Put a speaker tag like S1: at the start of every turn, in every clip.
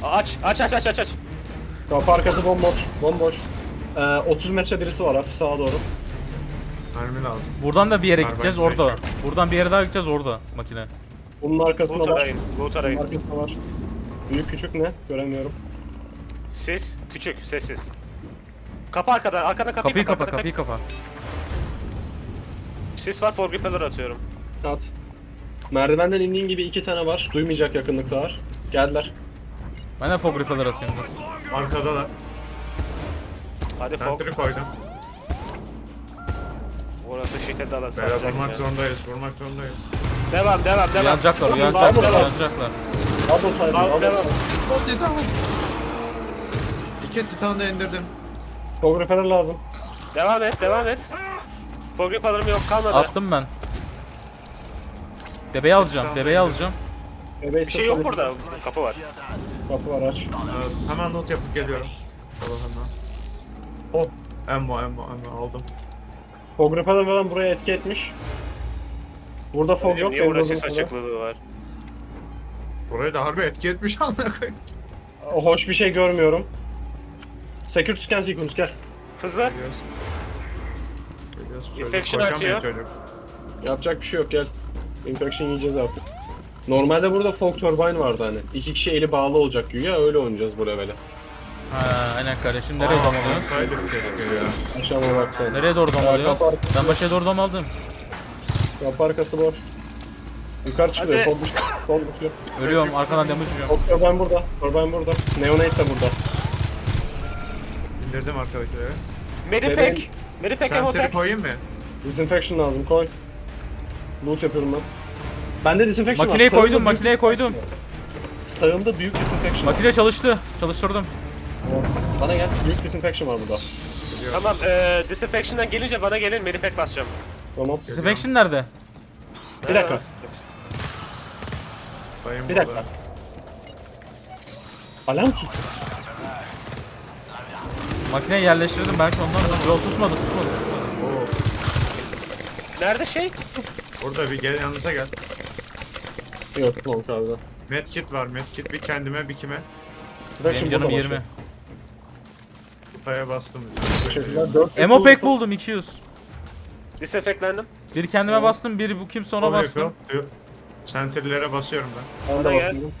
S1: Aç.
S2: Kapı arkası bomboş. Bomboş. 30 metre birisi var hafif sağa doğru.
S3: Mermi lazım.
S4: Buradan da bir yere
S3: Var,
S4: gideceğiz
S3: ben
S4: orada.
S3: direkt
S4: Buradan bir yere daha gideceğiz orada makine.
S2: Bunun arkasında
S1: Loot
S2: var.
S1: arayın. Loot
S2: Bunun
S1: arayın.
S2: arkasında var. Büyük küçük ne? Göremiyorum.
S1: Ses. Küçük. Sessiz. Kapı arkadan. Arkadan
S4: Kapıyı kapa,
S1: arkadan
S4: kapıyı kapa.
S1: Sis var. For repeller atıyorum.
S2: At. Merdivenden indiğin gibi 2 tane var. Duymayacak yakınlıkta var. Geldiler.
S4: Ben de fog repeller atıyorum. dur.
S3: Arkada da.
S1: Hadi fog.
S3: Sentry koydum.
S1: Orası şiddet alası.
S3: Beyler vurmak zorundayız. Vurmak zorundayız.
S1: Devam.
S4: Uyanacaklar,
S1: Vurun,
S4: uyanacaklar,
S1: devam.
S4: uyanacaklar.
S2: Double time. Double
S1: Devam.
S2: time.
S3: Oh titan. İki titan da indirdim.
S2: Fog repeller lazım.
S1: Devam et. For repeller'ım yok kalmadı.
S4: Attım ben. Bebeği alacağım, bebeği alacağım.
S1: Bir şey yok burada. Kapı var.
S2: Kapı var aç.
S3: Hemen not yapıp geliyorum. Hemen. Oh. Ammo aldım.
S2: Fog repeller falan buraya etki etmiş. Burada fog yok.
S1: Niye
S2: benim
S1: orası
S2: olduğum
S1: sis
S2: sırada.
S1: açıklığı var?
S3: Burayı da harbi etki etmiş amına koyayım.
S2: Hoş bir şey görmüyorum. Security scan sequence gel.
S1: Hızlı.
S3: Geliyoruz. Çocuk
S1: Infection
S3: koşamıyor
S1: artıyor.
S3: çocuk.
S2: Yapacak bir şey yok gel. Infection yiyeceğiz artık. Normalde burada fog turbine vardı hani. 2 kişi eli bağlı olacak güya öyle oynayacağız bu levele.
S4: Ha, aynen kardeşim. Nereye domalıyorsun?
S3: Saydık keşke ya.
S2: Aşağıma bak sen.
S4: Nereye doğru domalıyor?
S2: kapı arkası.
S4: Ben başa doğru domaldım.
S2: Kapı arkası boş. Yukarı çıkıyor.
S1: Hadi.
S2: Sol düşüyor. Sol düşüyor.
S4: Ölüyorum, arkadan damage yiyorum.
S2: Fog turbine burada. Turbine burada. Neonate de burada.
S3: İndirdim arkadakileri.
S1: Medipack. Medipack
S3: Sentry
S1: emotek.
S3: koyayım mı?
S2: Disinfection lazım koy. Loot yapıyorum ben. Bende disinfection
S4: Makineyi
S2: var.
S4: koydum, makineyi koydum.
S2: Sağımda büyük disinfection var.
S4: Makine çalıştı. Çalıştırdım.
S2: Bana gel. Büyük disinfection var burada.
S1: Tamam. Disinfection'dan gelince bana gelin. Medipack basacağım.
S2: Tamam.
S4: Disinfection nerede?
S2: Bir dakika.
S3: Bayım
S2: Bir dakika. Alarm sus.
S4: Makineyi yerleştirdim belki ondan. Yol tutmadı.
S3: Oo.
S1: Nerede şey?
S3: Burada bir gel yanımıza gel.
S2: Yok tamam abi.
S3: Medkit var medkit. Bir kendime bir kime.
S4: Benim canım 20.
S3: Kutaya bastım.
S2: Teşekkürler. 4
S4: Emo pack buldum 200.
S1: Disinfectlendim.
S4: Bir kendime bastım, bir bu kimse ona bastım.
S3: Sentry'lere basıyorum ben.
S2: Ben de
S1: Bana gel.
S2: bakıyorum.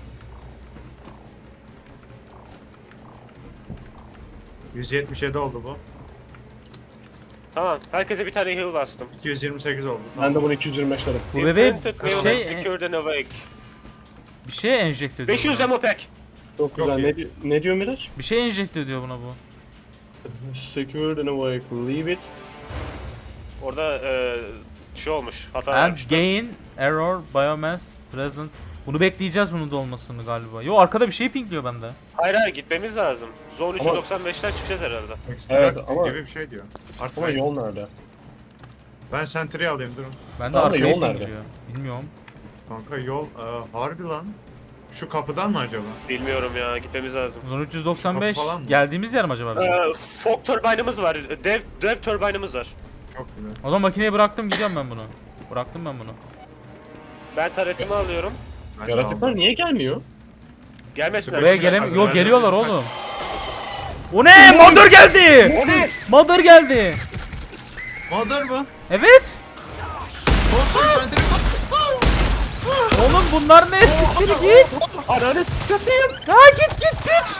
S3: 177 oldu bu.
S1: Tamam. Herkese bir tane heal bastım.
S3: 228 oldu.
S2: Ben de bunu 225 dedim.
S4: Bu bebeği
S1: Imprinted neonates
S4: şey,
S1: secured and awake.
S4: bir şey enjekte ediyor.
S1: 500
S4: buna.
S1: emopack.
S2: Çok güzel.
S3: iyi.
S2: Ne diyor Miraç?
S4: Bir şey enjekte ediyor buna bu.
S2: Secured in a way. Leave it.
S1: Orada şey olmuş. Hata
S4: And
S1: vermişler.
S4: gain, error, biomass, present. Bunu bekleyeceğiz bunun da olmasını galiba. Yo arkada bir şey pinkliyor bende.
S1: Hayır gitmemiz lazım. Zone
S2: Ama-
S1: 395'ten çıkacağız herhalde.
S2: Evet,
S3: Extract
S2: ama-
S3: gibi bir şey diyor. Artık
S2: Ama yol nerede?
S3: ben Sentry alayım durun.
S4: Bende
S2: Tamam da
S4: arkaya
S2: yol nerede?
S4: pinkliyor. Bilmiyorum.
S3: Kanka yol harbi lan. Şu kapıdan mı acaba?
S1: Bilmiyorum ya. Gitmemiz lazım.
S4: Zon 395
S3: Kapı falan mı?
S4: geldiğimiz yer mi acaba bizim?
S1: Fog turbine'ımız var. Dev turbine'ımız var.
S3: Çok güzel.
S4: O zaman makineyi bıraktım gidiyorum ben bunu. Bıraktım ben bunu.
S1: Ben taretimi alıyorum.
S3: Ben de
S2: Yaratıklar
S3: aldım.
S2: niye gelmiyor?
S1: Gelmesinler.
S4: Buraya
S3: Görüşürüz.
S4: gelem Yo
S3: Ben-
S4: geliyorlar oğlum. O ne? Mother geldi.
S1: O ne?
S4: Mother geldi.
S3: Mother mı?
S4: Evet.
S3: Korktum Sentry.
S4: Oğlum bunlar ne? Siktir git.
S1: Ananı satayım.
S4: Ha git piç.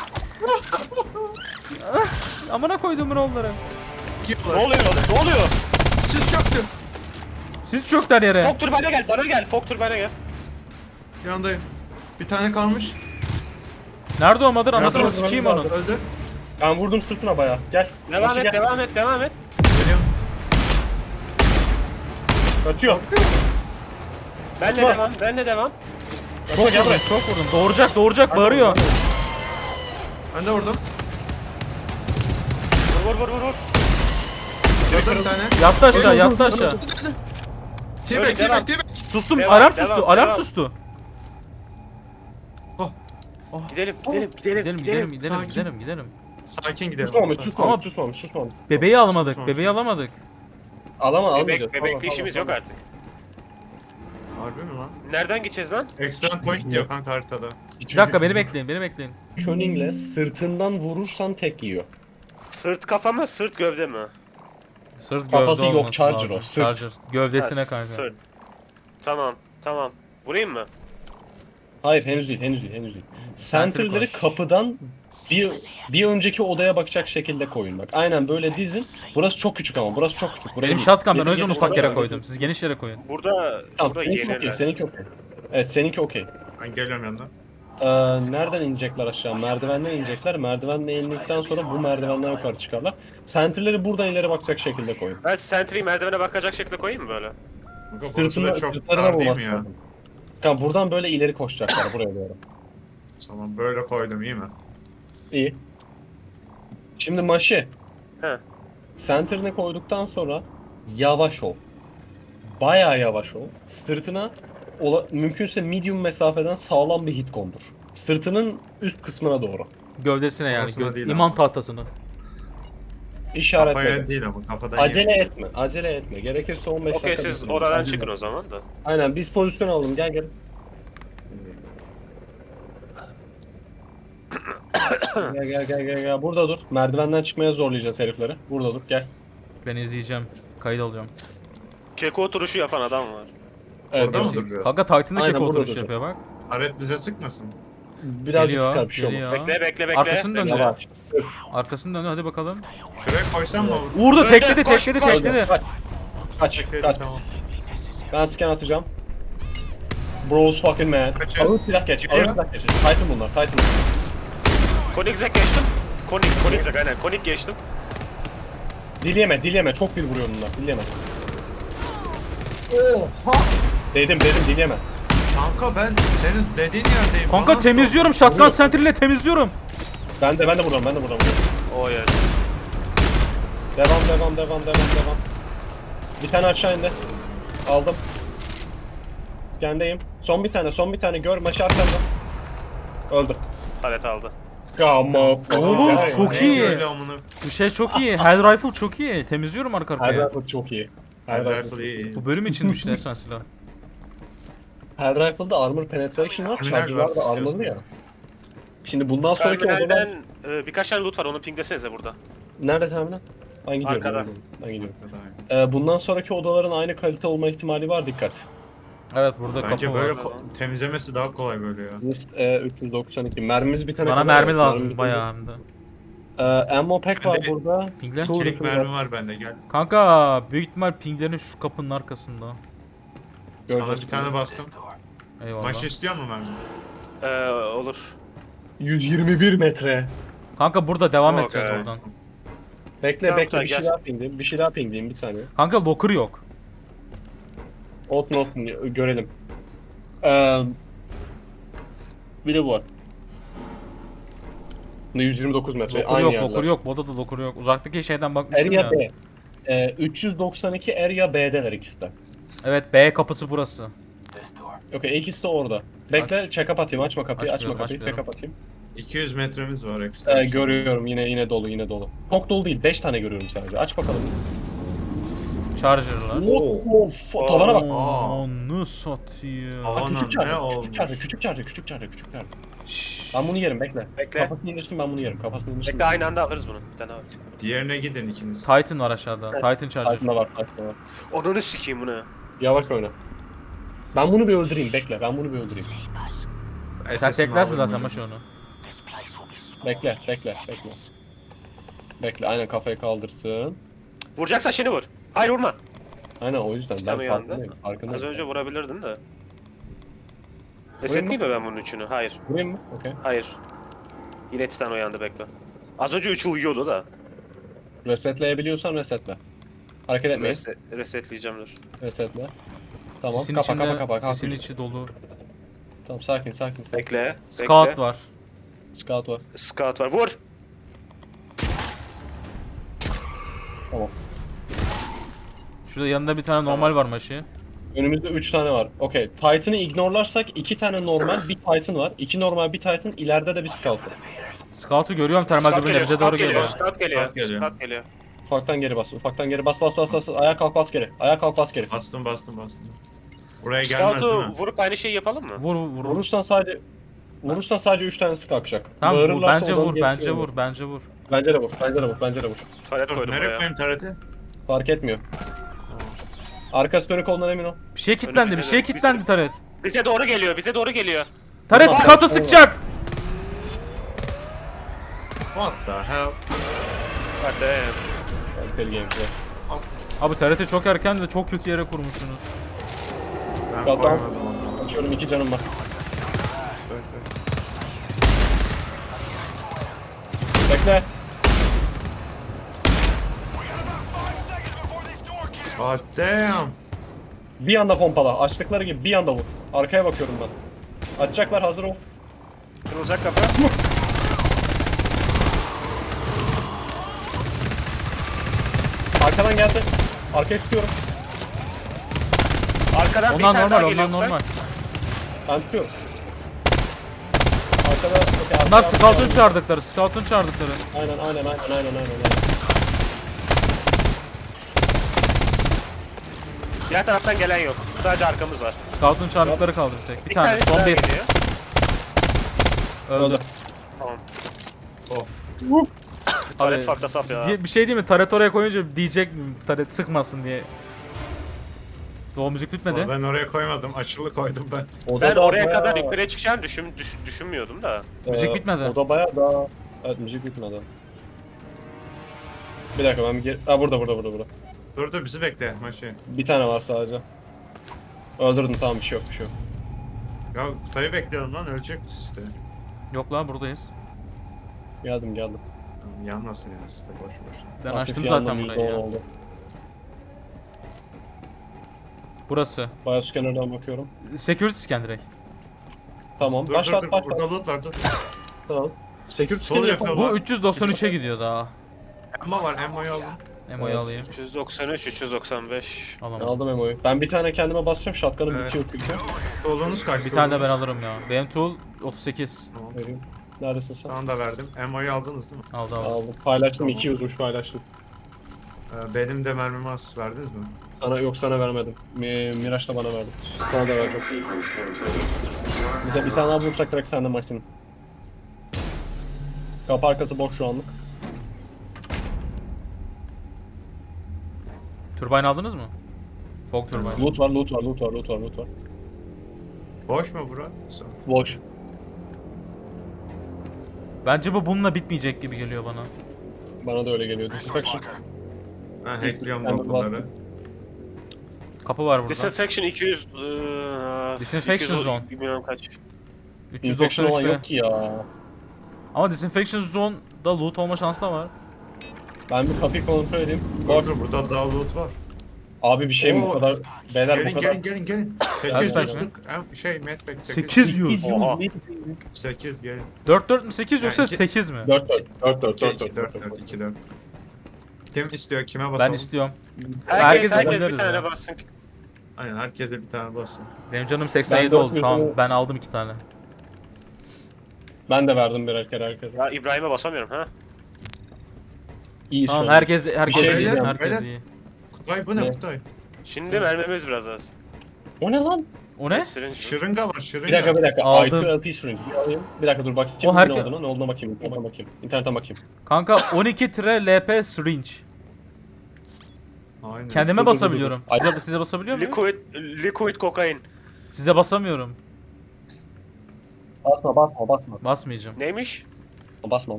S4: Amına koydum onları.
S1: Ne oluyor? Ne oluyor?
S3: Siz çöktü.
S4: Siz çökler yere.
S1: Fog turbine'e gel. Bana gel. Fog turbine'e gel.
S3: Yandayım. Bir tane kalmış.
S4: Nerede o Mother? Anasını
S2: Nerede?
S4: sikeyim onun.
S3: Öldü.
S2: Ben vurdum sırtına bayağı. Gel.
S1: Devam
S2: Başı
S1: et,
S2: gel.
S1: devam et.
S3: Geliyorum.
S2: Kaçıyor.
S1: Benle
S2: Kaçma.
S1: devam, benle devam.
S4: Çok
S2: Gel
S4: vurdum,
S2: buraya.
S4: çok vurdum. Doğuracak bağırıyor.
S3: Ben de vurdum.
S1: Vur.
S3: Gördüm bir tane.
S4: Yattı aşağı, yattı aşağı.
S3: T-Bag,
S1: devam.
S3: T-Bag.
S4: Sustum,
S1: Devam,
S4: alarm
S1: devam,
S4: sustu, alarm
S1: devam.
S4: sustu.
S1: Gidelim.
S4: Gidelim.
S3: Sakin gidelim.
S2: Susmamış.
S4: Bebeği alamadık,
S3: Susmamış.
S4: bebeği alamadık.
S2: Almayacağız.
S1: Bebekle işimiz yok artık.
S3: Harbi mi lan?
S1: Nereden gideceğiz lan?
S3: Extract point diyor kanka haritada.
S4: Bir dakika beni bekleyin, beni bekleyin.
S2: Köning'le sırtından vurursan tek yiyor.
S1: Sırt kafa mı sırt gövde mi?
S4: Sırt
S2: Kafası
S4: gövde
S2: yok,
S4: olması
S2: Charger
S4: lazım.
S2: o, sırt.
S4: Charger. Gövdesine
S1: Ha,
S4: kanka.
S1: sırt. Tamam tamam. Vurayım mı?
S2: Hayır henüz değil, henüz değil, henüz değil.
S4: Sentinel
S2: Sentinel'leri
S4: koy.
S2: kapıdan bir önceki odaya bakacak şekilde koyun bak. Aynen böyle dizin. Burası çok küçük ama burası çok küçük. Buraya
S4: Benim
S2: değil.
S4: shotgun ben o
S2: Getir,
S4: yüzden
S2: getir,
S4: ufak
S2: buraya
S4: yere
S2: bak.
S4: koydum. Siz geniş yere koyun.
S1: Burada
S2: Tamam,
S1: burada
S2: seninki okey,
S1: yenirler.
S2: seninki okey. Evet, seninki okey.
S3: Ben geliyorum yanına.
S2: Nereden inecekler aşağı? Merdivenden inecekler. Merdivenle indikten sonra bu merdivenden yukarı çıkarlar. Sentinel'leri buradan ileri bakacak şekilde koyun.
S1: Ben sentry'yi merdivene bakacak şekilde koyayım mı böyle?
S3: Kanka burası da çok
S2: sırtlarına
S3: dar değil
S2: vurması
S3: mi ya?
S2: lazım. Kanka buradan böyle ileri koşacaklar buraya doğru.
S3: Tamam böyle koydum iyi mi?
S2: İyi. Şimdi Maşi.
S1: He.
S2: Center'ine koyduktan sonra yavaş ol. Bayağı yavaş ol. Sırtına mümkünse medium mesafeden sağlam bir hit kondur. Sırtının üst kısmına doğru.
S4: Gövdesine yani.
S3: Kafasına değil
S4: İman
S3: ama.
S4: tahtasını.
S2: İşaretle.
S3: Kafaya değil ama kafadan
S2: Acele
S3: yiyor.
S2: etme, acele etme. Gerekirse 15
S1: Okey
S2: dakika
S1: siz
S2: bekleyin.
S1: odadan
S2: Acele
S1: çıkın
S2: etme.
S1: o zaman da.
S2: Aynen biz pozisyon alalım. Gel gel. Gel. Burada dur. Merdivenden çıkmaya zorlayacağız herifleri. Burada dur. Gel.
S4: Ben izleyeceğim. Kayıt alıyorum.
S1: Keko oturuşu yapan adam var.
S2: Evet,
S3: Orada mı
S2: gerçek-
S3: duruyor?
S4: Kanka Titan'da
S2: Aynen,
S4: kek
S2: burada
S4: oturuş
S2: duracak.
S4: yapıyor bak.
S3: Aret bize sıkmasın.
S2: Birazcık
S4: Geliyor,
S2: sıkar bir şey olmaz.
S4: geliyor.
S1: Bekle bekle bekle.
S4: Arkasını
S1: Bekle.
S4: döndü.
S2: Yavaş. Sık.
S4: Arkasını dönüyor hadi bakalım.
S3: Şuraya koysam mı?
S4: Vurdu
S1: Öyle,
S4: tekledi
S1: koş,
S4: tekledi
S1: koş.
S4: tekledi.
S2: Kaç.
S3: Bekledim
S2: Kaç.
S3: tamam.
S2: Ben scan atacağım. Bros fucking man.
S3: Kaçın.
S2: Ağır silah geç. Ağır
S3: Gidiyor.
S2: silah geç. Titan bunlar. Titan bunlar.
S1: Koenigsegg geçtim. Koenigsegg aynen. Koenig geçtim.
S2: Dileyeme. Çok bir vuruyor bunlar. Dileyeme.
S3: Oha!
S2: Dedim dileyeme.
S3: Kanka ben senin dediğin yerdeyim.
S4: Kanka
S3: Bana
S4: temizliyorum shotgun center ile temizliyorum.
S2: Ben de buradan.
S1: Oh yes.
S2: Devam. Bir tane aşağı indi. Aldım. Scan'deyim. Son bir tane gör. Maçı arkanda. Öldü.
S1: Palet aldı.
S2: Come on.
S4: Oğlum,
S2: Ya,
S4: çok
S3: Ne
S4: iyi.
S3: böyle amına.
S4: Bu şey çok iyi. Hell rifle çok iyi. Temizliyorum arka
S2: Her
S4: arkaya.
S2: rifle çok iyi. Her
S3: Her
S2: rifle.
S3: iyi.
S4: Bu bölüm içinmiş resmen silah.
S2: Her rifle'da armor penetration var.
S3: Terminal
S2: Charge'lar da
S3: var,
S2: armorlı ya.
S3: istiyorsanız.
S2: Şimdi bundan sonraki odalar...
S1: Terminalden birkaç tane loot var onu pinglesenize burada.
S2: Nerede terminal? Ben gidiyorum.
S1: Arkada.
S2: Ben gidiyorum. Bundan sonraki odaların aynı kalite olma ihtimali var. Dikkat.
S4: Evet burada
S3: Bence
S4: kapı
S3: böyle
S4: var.
S3: temizlemesi daha kolay böyle ya.
S2: List 392. Mermimiz bir tane
S4: Bana
S2: kadar
S4: mermi
S2: var.
S4: lazım
S2: Mermi
S4: bayağı hem de.
S2: Ammo pack var
S3: Bende-
S2: burada.
S4: Pingle.
S2: Two
S3: Kilik
S2: refill
S3: mermi
S2: var.
S3: var bende gel.
S4: Kanka büyük ihtimal pinglerin şu kapının arkasında.
S3: Sana
S2: Göreceğiz.
S3: bir tane bastım.
S4: Eyvallah.
S3: Maçı istiyor mu mermi?
S1: Olur.
S2: 121 metre.
S4: Kanka burada devam
S1: Yok,
S4: edeceğiz
S1: evet.
S4: oradan.
S2: Bekle
S1: Tamam,
S2: bekle
S1: tamam,
S2: bir şey
S1: gel.
S2: daha pingleyeyim. Bir şey daha pingleyeyim bir saniye.
S4: Kanka locker yok.
S2: Not görelim. Bir de bu var. 129 metre.
S4: Locker
S2: Aynı
S4: yok,
S2: yerler.
S4: locker yok. Bu odada locker yok. Uzaktaki şeyden bakmıştım
S2: Area
S4: ya.
S2: B. 392 Area B'deler ikisi de.
S4: Evet B kapısı burası.
S2: Okey ikisi de orada. Bekle
S4: Aç.
S2: check up atayım. Açma kapıyı.
S4: Açmıyorum,
S2: Check
S4: açmıyorum.
S2: up atayım.
S3: 200 metremiz var ekstra.
S2: Görüyorum yine dolu. Çok dolu değil. 5 tane görüyorum sadece. Aç bakalım.
S4: Charger'lar.
S2: Tavana bak.
S4: Onu satayım.
S3: Aa. Aman
S2: Küçük
S3: ne
S2: çarpı.
S3: olmuş?
S2: Küçük çarpı.
S4: Şşş.
S2: Ben bunu yerim bekle.
S1: Bekle.
S2: Kafasını indirsin ben bunu yerim. Kafasını indirsin.
S1: Bekle aynı anda alırız bunu. Bir tane abi.
S3: Diğerine gidin ikiniz.
S4: Titan var aşağıda. Titan Charger.
S2: Titan'da var. Titan'da var.
S1: Onunu sikeyim bunu.
S2: Yavaş oyna. Ben bunu bir öldüreyim. Bekle. Ben bunu bir öldüreyim.
S4: Sen
S3: SS'imi
S4: teklersin
S3: alırım
S4: zaten
S3: hocam.
S4: maç onu.
S2: Bekle. Aynen kafayı kaldırsın.
S1: Vuracaksan şimdi vur. Hayır vurma.
S2: Aynen o yüzden
S1: Sen
S2: ben
S1: uyandın.
S2: farkındayım.
S1: Az önce vurabilirdin de. Resetleyeyim mi ben bunun üçünü? Hayır.
S2: Vurayım mı? Okey.
S1: Hayır. Yine Titan uyandı bekle. Az önce üçü uyuyordu da.
S2: Resetleyebiliyorsan resetle. Hareket etmeyin.
S1: Resetleyeceğim dur.
S2: Resetle. Tamam.
S4: Sisin
S2: Kapa.
S4: içinde, sisin içi dolu.
S2: Tamam sakin.
S1: Bekle.
S4: Scout
S1: bekle.
S4: var.
S2: Scout var.
S1: Scout var. Vur.
S2: Tamam.
S4: Şurada yanında bir tane
S1: Tamam.
S4: normal var maçı.
S2: Önümüzde 3 tane var. Okey. Titan'ı ignorlarsak 2 tane normal, bir Titan var. 2 normal, bir Titan. İleride de bir Scout var.
S4: Scout'u görüyorum termal
S1: Scout
S4: dürbünle bize doğru geliyor.
S1: Scout geliyor.
S3: Scout geliyor.
S1: Scout geliyor.
S2: Ufaktan geri bas. Bas. Ayağa kalk bas geri.
S3: Bastım. Buraya gelmez değil
S1: Scout'u
S3: mi?
S1: vurup aynı şeyi yapalım mı?
S4: Vur.
S2: Vurursan sadece Vurursan sadece 3 tanesi kalkacak.
S4: Tamam vur,
S2: Bağırırlarsa
S4: bence
S2: odanın
S4: vur,
S2: gerisi
S4: bence
S2: olur.
S4: vur, bence vur.
S2: Bence de vur. Bence de vur. Bence de vur.
S1: Taret
S3: Dur,
S1: koydum
S3: nereye
S1: buraya.
S3: koyayım tareti?
S2: Fark etmiyor. Arkası dönük olduğundan emin ol.
S4: Bir şey kilitlendi, bir
S1: bize
S4: şey
S1: de-
S4: kilitlendi Taret.
S1: Bize doğru geliyor, bize doğru geliyor.
S4: Taret
S2: Tamam.
S4: scout'a sıkacak.
S3: What the hell?
S1: Hadi.
S2: Kaliteli gameplay.
S3: At.
S4: Abi TRT çok erken de çok kötü yere kurmuşsunuz.
S3: Ben
S2: Tamam.
S3: koymadım onu.
S2: Açıyorum 2 canım var.
S3: Dur, dur.
S2: Bekle.
S3: God damn.
S2: Bir anda pompala. Açtıkları gibi bir anda vur. Arkaya bakıyorum ben. Açacaklar, hazır ol.
S1: Kırılacak kapı.
S2: Arkadan geldi. Arkaya tutuyorum.
S1: Arkadan bir
S4: Onlar
S1: tane daha
S4: normal,
S1: geliyor.
S4: onlar normal.
S2: Ben tutuyorum. Arkada... okey,
S4: Bunlar
S2: arkaya-
S4: scout'un çağırdıkları, scout'un çağırdıkları.
S2: Aynen.
S1: Diğer taraftan gelen yok. Sadece arkamız var.
S4: Scout'un çağırdıkları kaldı bir tek. Bir
S1: Bir
S4: tane,
S1: tanesi
S4: son
S1: daha
S4: bir.
S1: geliyor.
S4: Öldü.
S2: Öldü.
S1: Tamam.
S3: Oh.
S1: Taret
S4: Abi,
S1: farklı saf ya.
S4: Bir şey değil mi? Taret oraya koyunca diyecek mi? Taret sıkmasın diye. O müzik bitmedi.
S3: Ben oraya koymadım. Açılı koydum ben.
S1: Ben
S2: da
S1: oraya
S2: bayağı-
S1: kadar yukarıya çıkacağını düşünmüyordum da.
S4: Müzik bitmedi.
S2: O da bayağı daha... Evet, müzik bitmedi. Bir dakika ben bir geri... Ha burada.
S3: Dur dur bizi bekle maçı.
S2: Bir tane var sadece. Öldürdüm, tamam, bir şey yok.
S3: Ya Kutay'ı bekleyelim lan ölecek işte.
S4: Yok lan buradayız.
S2: Geldim.
S3: Tamam, yanmasın ya işte boş boş.
S4: Ben
S2: Hafif
S4: açtım
S2: yandım,
S4: zaten burayı
S2: %10
S4: ya.
S2: oldu.
S4: Burası.
S2: Bayağı scanner'dan bakıyorum.
S4: Security scan direkt.
S2: Tamam,
S3: Dur
S2: başlat.
S3: burada loot var dur.
S2: Tamam. Security
S3: Sol
S2: scanner
S3: yapalım.
S2: yapalım.
S4: Bu 393'e gidiyor daha.
S3: Emma var Emma'yı aldım.
S4: Emo'yu
S2: Evet.
S4: alayım.
S1: 393, 395.
S4: Alamam.
S2: Aldım Emo'yu. Ben bir tane kendime basacağım. Shotgun'ım
S3: Evet.
S2: bitiyor çünkü.
S3: Solunuz kaçtı?
S4: Bir tane de ben
S3: solunuz?
S4: alırım ya. Benim tool 38.
S3: Tamam.
S2: Vereyim. Neredesin sen?
S3: Sana da verdim. Emma'yı aldınız değil mi?
S4: Aldı.
S2: Aldım. Paylaştım.
S3: Tamam.
S2: 200 uç paylaştım.
S3: Benim de mermimi az verdiniz mi?
S2: Sana vermedim. Miraç da bana verdi. Sana da verdim. Bir tane daha bulursak direkt sende makine. Kapı arkası boş şu anlık.
S4: Turbine aldınız mı? Fog turbine.
S2: Loot var.
S3: Boş mu bura?
S2: Boş.
S4: Bence bu bununla bitmeyecek gibi geliyor bana.
S2: Bana da öyle geliyor. Disinfection.
S3: Ben hackliyorum
S2: Ben de
S3: da bunları.
S2: bastım.
S4: Kapı var burada.
S1: Disinfection 200...
S4: Disinfection zone.
S1: Bilmiyorum kaç.
S2: Infection olan
S4: 393
S2: yok ki ya.
S4: Ama Disinfection Zone'da loot olma şansı da var.
S2: Ben bir kapıyı kontrol edeyim. Bak
S3: Dur burada daha loot var.
S2: abi bir şey mi bu
S3: Oo.
S2: kadar? Beyler
S3: Gelin
S2: bu kadar.
S3: gelin.
S4: Geldik
S3: 800
S4: mi?
S3: tık. Medpack
S4: 800.
S1: Oha.
S3: 8 gelin.
S4: 4 mi 8 yoksa
S3: Yani iki-
S4: 8 mi?
S2: 4
S3: 2 4. Kim istiyor? Kime basalım?
S4: Ben istiyorum.
S1: Herkes
S4: alabiliriz
S1: bir tane
S4: ya.
S1: bassın.
S3: Aynen herkese bir tane basın.
S4: Benim canım 87
S2: Ben
S4: oldu.
S2: 400
S4: Tamam
S2: tane-
S4: ben aldım 2 tane.
S2: Ben de verdim birer kere herkese.
S1: Ya İbrahim'e basamıyorum ha.
S2: İyi şu
S4: Tamam
S2: an.
S4: herkes
S2: şey
S4: iyi.
S2: diyeceğim,
S4: Herkes
S3: beyler.
S4: iyi.
S3: Kutay bu ne
S2: Ne?
S3: Kutay?
S1: Şimdi mermimiz biraz az.
S2: O ne lan?
S4: O ne?
S1: Syringe.
S3: Şırınga var şırınga.
S2: Bir dakika.
S4: Aldım.
S2: IQ LP syringe. Bir alayım. Bir dakika dur bakayım.
S4: O
S2: Ne
S4: herke-
S2: olduğunu, ne olduğuna bakayım. İnternetten bakayım.
S4: Kanka 12-LP syringe.
S3: Aynen.
S4: Kendime
S2: Dur.
S4: basabiliyorum.
S2: Ay-
S4: Size basabiliyor muyum?
S1: Liquid kokain.
S4: Size basamıyorum.
S2: Basma.
S4: Basmayacağım.
S1: Neymiş?
S2: Basma.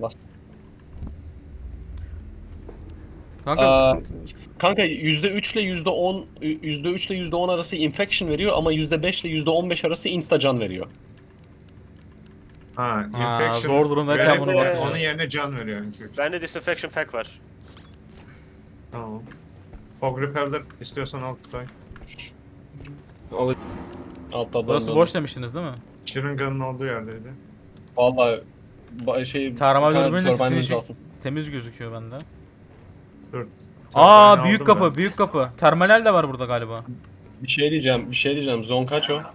S4: Kanka
S2: Kanka %3 ile %10 %3 ile %10 arası infection veriyor ama %5 ile %15 arası instacan veriyor.
S3: Ha,
S4: Ha,
S3: infection.
S4: zor durumdayken
S1: bunu basacağız.
S3: Onun yerine can veriyor infection.
S1: Bende disinfection pack var.
S3: Tamam. Fog Repeller istiyorsan al Kutay.
S2: Altta
S4: burası boş demiştiniz değil mi?
S3: Şırınganın olduğu yerdeydi.
S2: Valla
S4: Tarama
S2: bir tane
S4: dürbünüyle
S2: turbine'imiz
S4: sizin
S2: lazım.
S4: Temiz gözüküyor bende.
S3: Dur.
S4: Aa
S3: Turbine
S4: büyük
S3: aldım
S4: kapı,
S3: ben.
S4: büyük kapı. Terminal de var burada galiba.
S2: Bir şey diyeceğim. Zon kaç o?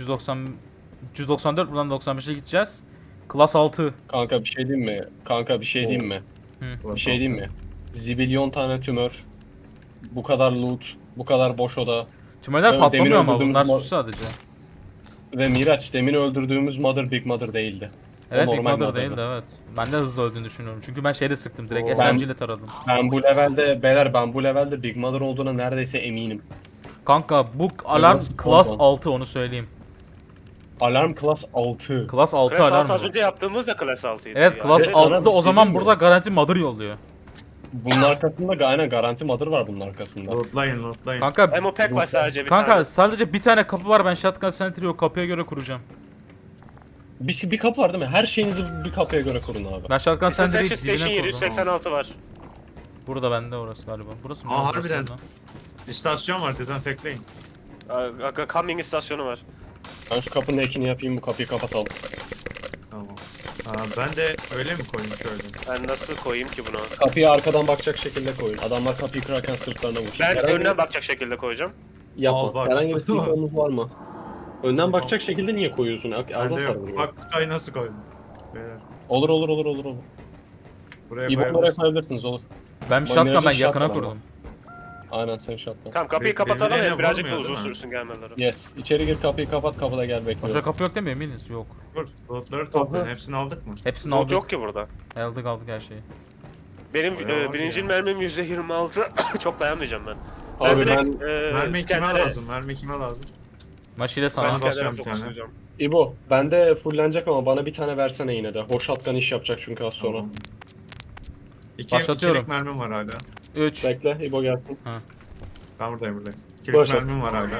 S4: 394 buradan 95'e gideceğiz. Klas 6.
S2: Kanka bir şey diyeyim mi? Bir şey diyeyim mi? Zibilyon tane tümör. Bu kadar loot. Bu kadar boş oda.
S4: Tümeler
S2: Evet,
S4: patlamıyor
S2: demin
S4: ama
S2: öldürdüğümüz
S4: bunlar
S2: mal-
S4: sus sadece.
S2: Ve Miraç demin öldürdüğümüz Mother Big Mother değildi.
S4: Evet, Big
S2: normal
S4: Mother
S2: Mother'dı.
S4: değildi, evet. Ben de hızlı öldüğünü düşünüyorum. Çünkü ben şeyde sıktım, direkt
S3: Oo.
S4: SMG ile taradım.
S2: Ben bu levelde beyler ben bu levelde Big Mother olduğuna neredeyse eminim.
S4: Kanka bu alarm
S2: Nasıl
S4: Class
S2: oldu?
S4: 6, onu söyleyeyim.
S2: Alarm Class 6.
S4: Class 6
S1: Class
S4: alarm
S1: 6 az
S4: bu.
S1: önce yaptığımız da Class 6'ydı.
S4: Evet,
S1: ya.
S4: Class
S2: Evet, sana
S4: 6'da o
S2: bir
S4: zaman
S2: şey
S4: burada
S2: diyeyim
S4: garanti Mother yolluyor.
S2: Bunun arkasında aynen garanti Mother var bunun arkasında.
S3: Lootlayın.
S4: Kanka
S1: Ammo pack var sadece bir
S4: kanka
S1: tane.
S4: sadece bir tane kapı var, ben Shotgun Sentry'yi o kapıya göre kuracağım.
S2: Bir kapı var değil mi? Her şeyinizi bir kapıya göre kurun abi.
S4: Ben Shotgun Sentry'yi
S1: Disinfection Station
S4: dibine kurdum.
S1: 786 var.
S4: Burada bende orası galiba. Burası mı?
S3: Aa,
S4: Burası
S3: harbiden.
S4: mı?
S3: İstasyon var, dezenfekleyin.
S1: Coming istasyonu var.
S2: Ben şu kapının ekini yapayım bu kapıyı kapatalım.
S3: Tamam. Ben de öyle mi koyayım şöyle?
S1: Ben nasıl koyayım ki bunu?
S2: Kapıyı arkadan bakacak şekilde koyun. Adamlar kapıyı kırarken sırtlarına vursun.
S1: Ben
S2: Herhangi-
S1: önden bakacak şekilde koyacağım.
S2: Yapma.
S3: Al bak.
S2: Herhangi bir sifonunuz var mı? Önden bakacak şekilde niye koyuyorsun?
S3: Ben
S2: Ağza
S3: de yok.
S2: sarılıyor.
S3: Bak kutayı nasıl koydum? Beyler.
S2: Olur.
S3: Buraya
S2: İyi oraya
S3: koyabiliriz.
S2: koyabilirsiniz olur.
S4: Ben bir
S2: Bak,
S4: shotgun, ben
S2: Mirac'ın
S4: yakına
S2: shotgun
S4: kurdum.
S2: Aynen sen şatla.
S1: Tamam kapıyı kapatalım
S3: birbirlerine
S1: ya birazcık da
S3: vurmuyor,
S1: uzun
S3: değil mi?
S1: sürsün gelmeleri.
S2: Yes. İçeri gir kapıyı kapat kapıda gel
S4: Başka
S2: bekliyorum.
S4: kapı yok değil mi, eminiz? Yok.
S3: Dur, lootları toplayın.
S2: Aha.
S3: Hepsini aldık mı?
S4: Hepsini
S1: Loot
S4: aldık.
S1: yok ki burada.
S4: Aldık her şeyi.
S1: Benim
S3: Bayağı var
S1: birinci
S3: ya.
S1: mermim %26. Çok dayanmayacağım ben.
S2: Abi
S1: direkt,
S2: ben
S3: Mermi kime
S1: İskender'e-
S3: lazım? Mermi kime lazım?
S4: Maşile
S1: Ben
S4: sana.
S3: Sana
S1: İskender'e
S3: basıyorum bir tane.
S1: fokuslayacağım.
S2: İbo bende fullenecek ama bana bir tane versene yine de. O shotgun iş yapacak çünkü az sonra.
S3: Tamam.
S4: Başlatıyorum.
S3: İkilik mermim var hala.
S4: 3.
S2: Bekle İbo gelsin.
S3: Ben buradayım. İkilik
S2: Başlat.
S3: mermim var hala.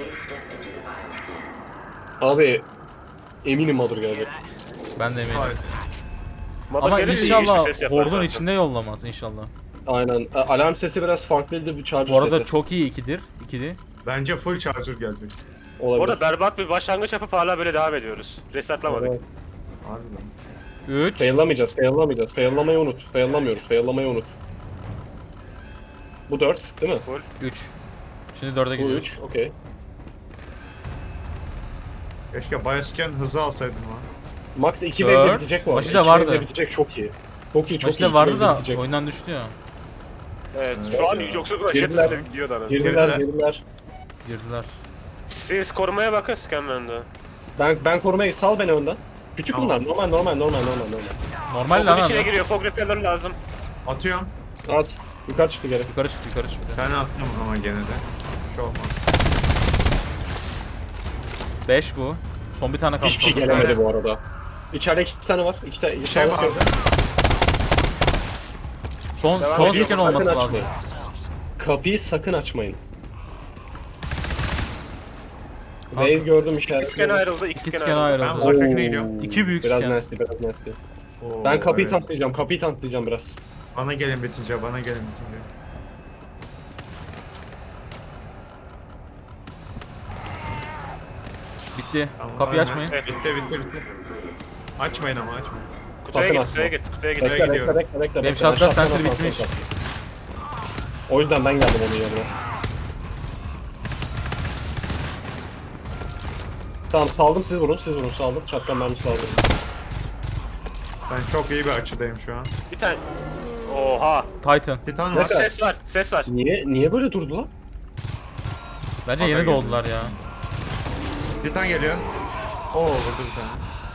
S2: Abi eminim Mother gelecek.
S4: Ben de eminim.
S3: Hayır.
S1: Mother
S4: Ama
S1: gelirse iyi bir
S4: inşallah
S1: ses yapar
S4: hordun
S1: zaten.
S4: içinde yollamaz inşallah.
S2: Aynen. Alarm sesi biraz farklıydı bir charger
S4: Bu arada
S2: sesi.
S4: çok iyi ikidir. İkili.
S3: Bence full charger gelecek.
S2: Olabilir.
S1: Orada berbat bir başlangıç yapıp hala böyle devam ediyoruz. Resetlamadık.
S2: Evet.
S3: Harbiden.
S4: 3.
S2: Faillamayacağız. Faillamayı unut. Faillamayı unut. Bu 4 değil mi?
S4: 3. Şimdi 4'e
S2: Bu
S4: gidiyoruz.
S2: 3. Okey.
S3: Keşke bioscan hızı alsaydım lan.
S2: Max 2
S4: Dört.
S2: wave'de bitecek bu arada.
S4: Maçı da
S2: 2
S4: vardı.
S2: wave'de bitecek çok iyi. Çok iyi.
S4: Maçta
S2: İki
S4: vardı
S2: wave'de
S4: da
S2: bitecek.
S4: oyundan düştü ya.
S1: Evet
S3: Evet
S1: şu an
S3: ya.
S1: yoksa
S2: Girdiler.
S1: Roşet gidiyordu anasını.
S2: Girdiler.
S4: Girdiler.
S1: Siz korumaya bakın Scanman'da.
S2: Ben korumayı sal beni önden. Küçük
S3: Tamam.
S2: bunlar. Normal.
S4: Normal
S1: Fog'un
S4: lan
S1: içine
S4: abi.
S1: giriyor. Fog repeller lazım.
S3: Atıyorum.
S2: At. Yukarı çıktı geri.
S4: Yukarı çıktı.
S3: Bir tane attım ama gene de. Şu olmaz.
S4: 5 bu. Son bir tane kaldı.
S2: Hiçbir şey
S4: Son-
S2: gelemedi
S3: tane.
S2: bu arada. İçeride 2 tane var.
S3: Bir şey vardı.
S4: Son
S1: Devam
S4: son
S1: ediyor.
S4: skin
S2: Sakın
S4: olması lazım.
S2: açmayın. Kapıyı sakın açmayın. Wave gördüm
S1: İki scan
S2: işaretleri.
S1: ayrıldı.
S4: İki
S1: İki
S4: scan
S1: scan ayrıldı.
S3: Ben
S4: ayrıldı.
S3: uzaktakine gidiyorum.
S4: İki büyük
S2: Biraz
S4: scan.
S2: nasty.
S3: Oo,
S2: Ben kapıyı
S3: evet.
S2: tanklayacağım biraz.
S3: Bana gelin bitince.
S4: Bitti.
S3: Tamam,
S4: Kapıyı
S3: aynen.
S4: açmayın.
S3: Bitti. Açmayın ama açmayın.
S1: Kutuya
S2: Sakın
S1: git, kutuya
S2: açma.
S1: git, kutuya git.
S3: Bekle. gidiyorum.
S2: Bekle.
S4: Benim
S2: Ben
S4: shotgun
S2: shotgun'a
S4: sensörü
S2: tanklayacağım.
S4: bitmiş.
S2: O yüzden ben geldim onun yerine. Tamam saldım siz vurun saldım. Shotgun mermisi aldım.
S3: Ben çok iyi bir açıdayım şu an.
S1: Bir tane. Oha.
S4: Titan.
S3: Bir tane
S2: Ne
S3: var.
S2: kadar?
S1: Ses var.
S2: Niye böyle durdu lan?
S4: Bence
S3: Haber
S4: yeni
S3: geldi.
S4: doğdular ya.
S3: Bir tane geliyor. Oo vurdu bir tane.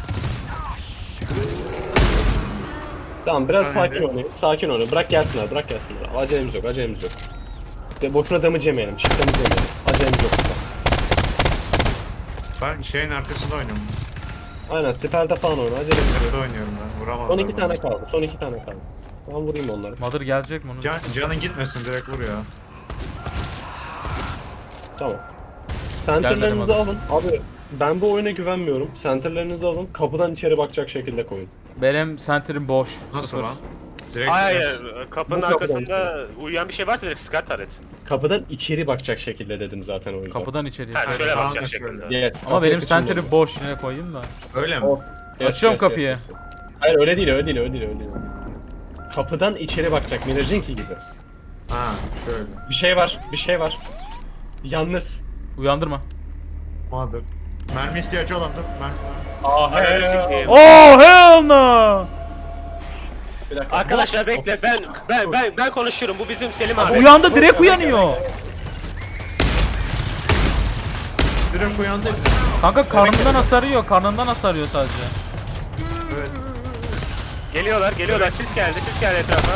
S2: Tamam biraz
S3: Ben
S2: sakin
S3: de.
S2: oynayın. Bırak gelsinler. Acelemiz yok. De boşuna damage yemeyelim. Çift damage yemeyelim. Acelemiz yok.
S3: Ben şeyin arkasında oynuyorum.
S2: Aynen siperde falan oyna. Acelemiz yok.
S3: Nerede oynuyorum ben? Vuramazlar.
S2: Son 2 tane
S3: bana.
S2: kaldı. Ben vurayım onları.
S4: Mother gelecek mi onu?
S3: Canın gitmesin direkt vur ya.
S2: Tamam.
S4: Gelmedi
S2: Center'larınızı
S4: bana.
S2: alın. Abi ben bu oyuna güvenmiyorum. Center'larınızı alın. Kapıdan içeri bakacak şekilde koyun.
S4: Benim center'im boş.
S3: Nasıl
S4: Sıfır.
S3: lan? Direkt
S1: Hayır, kapının
S2: Bu
S1: arkasında uyuyan bir şey varsa direkt Scar taret.
S2: Kapıdan içeri bakacak şekilde dedim zaten o yüzden.
S4: Kapıdan içeriye.
S1: Ha, şöyle
S3: Sağına
S1: bakacak
S3: şöyle.
S1: şekilde.
S2: Yes.
S4: Ama
S2: kapıyı
S4: benim
S2: kısmında
S4: center'im
S2: olun.
S4: boş. Yine koyayım da.
S3: Öyle mi?
S2: Oh.
S4: Açıyorum kapıyı.
S2: Hayır öyle değil. Kapıdan içeri bakacak Mirajinki gibi.
S3: Ha şöyle.
S2: Bir şey var. Yalnız.
S4: Uyandırma.
S3: Mother. Mermi ihtiyacı olan dur. Mermi.
S1: Ananı sikeyim.
S4: Oh hell no!
S2: Bir dakika.
S1: Arkadaşlar bekle ben konuşuyorum. Bu bizim Selim abi.
S4: Uyandı, direkt uyanıyor.
S3: direkt uyandı.
S4: Kanka karnından hasarıyor. Karnından hasarıyor sadece.
S3: Evet.
S1: Geliyorlar. Sis geldi etrafa.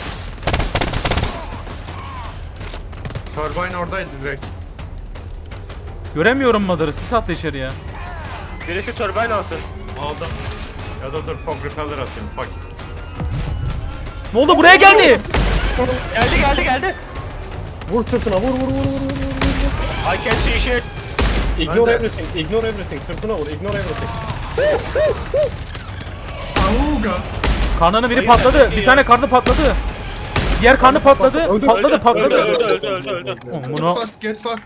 S3: Turbine oradaydı direkt.
S4: Göremiyorum Mother'ı. Sis attı içeriye.
S1: Birisi turbine alsın.
S3: Aldım. Ya da dur fog repeller atayım. Fuck it.
S4: Ne oldu? Buraya geldi.
S1: Geldi.
S2: Vur sırtına vur.
S1: I can see shit.
S2: Ignore
S3: Ben de-
S2: everything. Sırtına vur, ignore everything.
S3: Auga.
S4: Karnını biri
S1: Hayır,
S4: patladı.
S1: sen
S4: Bir
S1: şey
S4: tane
S1: ya.
S4: karnı patladı. Diğer karnı patladı.
S2: Öldü,
S4: Patladı.
S1: Öldü.
S4: Oğlum
S3: Get
S4: bunu
S3: fuck, get fuck.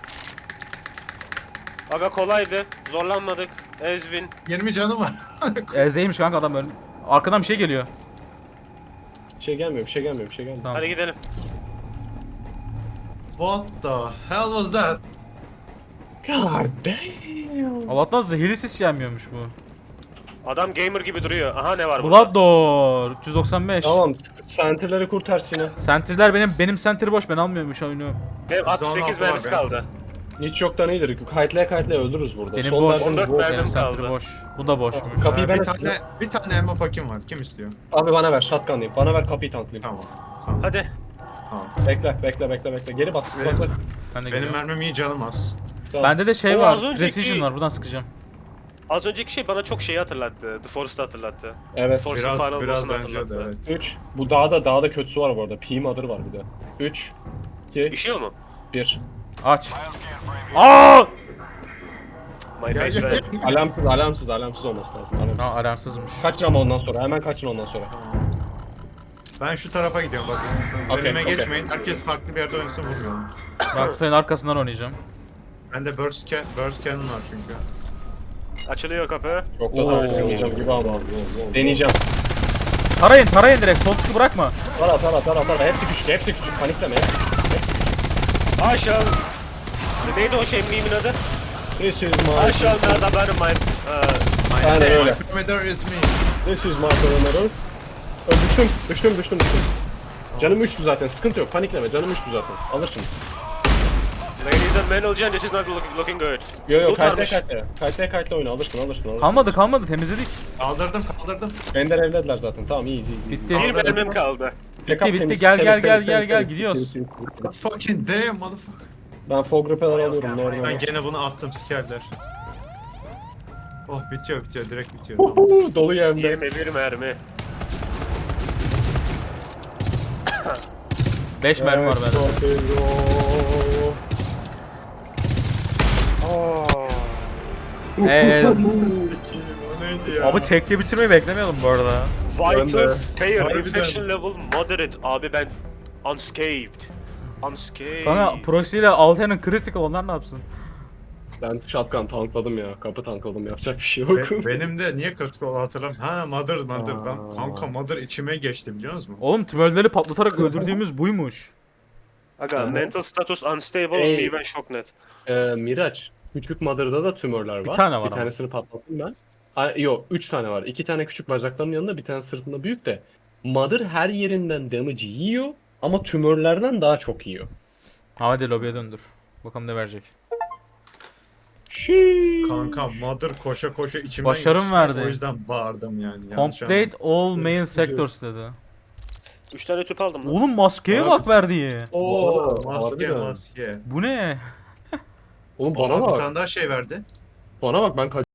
S1: Aga kolaydı. Zorlanmadık. Ezvin.
S3: 20 canım var.
S4: Ezeymiş kanka adam öyle. Arkadan bir şey geliyor.
S2: Bir şey gelmiyor.
S4: Tamam.
S1: Hadi gidelim.
S3: What the hell was that?
S2: God damn.
S4: Allah'tan zehirli sis gelmiyormuş bu.
S1: Adam gamer gibi duruyor. Aha ne var burada?
S4: Blooddoor 395.
S2: Tamam, center'ları kurtar Sinan.
S4: Sentirler benim sentri boş, ben almıyormuş oyunu.
S1: Benim 68
S3: %16 var
S1: mermisi
S3: benim.
S1: kaldı.
S2: Hiç yoktan iyidir. Kayıtlaya öldürürüz burada.
S4: Benim
S2: Son
S4: boş.
S2: derdimiz
S1: 14
S2: bu.
S1: mermim
S4: Benim sentri
S1: kaldı.
S4: boş. Bu da boşmuş.
S2: Kapıyı ben
S3: bir tane ammo pakim var. Kim istiyor?
S2: Abi bana ver, shotgun'layım. Bana ver, kapıyı tanklayayım.
S3: Tamam. Tamam.
S1: Hadi.
S3: Tamam.
S2: Bekle. Geri bas.
S3: Benim-
S2: Bak.
S4: Ben de
S3: Benim
S4: gidiyorum.
S3: mermim iyi canım az.
S2: Tamam.
S4: Bende de şey
S1: O
S4: var.
S1: az önceki-
S4: Precision var. Buradan sıkacağım.
S1: Az önceki şey bana çok şeyi hatırlattı. The Forest'ı hatırlattı.
S2: Evet.
S1: Forest'ın
S3: Biraz
S1: Final
S3: biraz
S1: Boss'unu
S3: benziyordu
S1: hatırlattı.
S3: evet.
S2: 3. Bu dağda kötüsü var bu arada. P mother var bir de. 3, 2,
S1: İşiyor mu?
S2: 1.
S4: Aç. Aa!
S1: My face
S3: Gel,
S1: red.
S3: gel.
S2: Alarmsız olması lazım. Alarmsız.
S4: Ha, alarmsızmış.
S2: Kaçın ama ondan sonra. Hemen kaçın ondan sonra.
S3: Ben şu tarafa gidiyorum bak.
S2: Okey,
S3: Önüme
S2: okey.
S3: geçmeyin. Herkes farklı bir yerde oynasın vurmuyorum.
S4: Ben kutunun arkasından oynayacağım.
S3: Bende burst cannon var çünkü.
S1: Açılıyor kapı.
S2: Çok da
S4: Oo.
S2: tartışmayacağım gibi ama. Deneyeceğim.
S4: Tarayın direkt. Sol tıkı bırakma.
S2: Tara. Hepsi küçük. Panikleme.
S1: Aşağı. Neydi o şey meme'in adı?
S2: This is my...
S1: Aşağı nerede benim my...
S2: Aynen öyle.
S3: My perimeter is me.
S2: This is my perimeter. Düştüm. Canım 3'tü zaten. Sıkıntı yok. Panikleme. Canım 3'tü zaten. Alırsın.
S1: Ladies and men, Olcan, this is not looking good.
S2: Yo
S1: Loot varmış.
S2: kayıtlaya oyna. Alırsın.
S4: Kalmadı temizledik.
S3: Kaldırdım.
S2: Bender evlediler zaten. Tamam iyi.
S4: Bitti.
S1: Bir mermim kaldı.
S4: Bitti. Gel. Gidiyoruz.
S3: God fucking damn motherfucker.
S2: Ben fog repeller alıyorum. Nerede?
S3: Ben gene bunu attım sikerler. Oh bitiyor direkt bitiyor. Tamam.
S2: Dolu yerde.
S1: 21 mermi.
S4: 5 mermi var bende.
S3: Sikiyim, o neydi ya?
S4: Abi tekli bitirmeyi beklemiyordum bu arada.
S1: Vitals, fair,
S3: Harbiden.
S1: infection level, moderate. Abi ben unscathed.
S4: Kanka proxy ile Alten'in critical, onlar ne yapsın?
S2: Ben shotgun tankladım ya. Kapı tankladım. Yapacak bir şey yok.
S3: Benim de niye kritik oldu hatırlamıyorum. Ha mother. Ben
S2: Aa.
S3: kanka mother içime geçti biliyor musun?
S4: Oğlum tümörleri patlatarak öldürdüğümüz buymuş.
S1: Aga, mental status unstable,
S2: Ey.
S1: even shocknet.
S2: Miraç. Küçük mother'da da tümörler var.
S4: Bir tane var
S2: Bir
S4: ama.
S2: tanesini patlattım ben. Yok 3 tane var. 2 tane küçük bacaklarının yanında, bir tane sırtında büyük de. Mother her yerinden damage yiyor ama tümörlerden daha çok yiyor.
S4: Hadi lobiye döndür. Bakalım ne verecek.
S3: Kanka mother koşa içimden
S4: Başarım
S3: geçti.
S4: verdi.
S3: O yüzden bağırdım yani. yanlış
S4: Complete all main
S2: Sıkıntı yok.
S4: sectors dedi.
S1: 3 tane tüp aldım lan.
S4: Oğlum maskeye
S2: Abi.
S4: bak verdiği.
S3: anlamadım. Oo
S2: Harbiden.
S3: maske.
S4: Bu ne?
S2: Oğlum
S3: Bana
S2: bana
S3: bir
S2: bak.
S3: tane daha şey verdi.
S2: Bana bak ben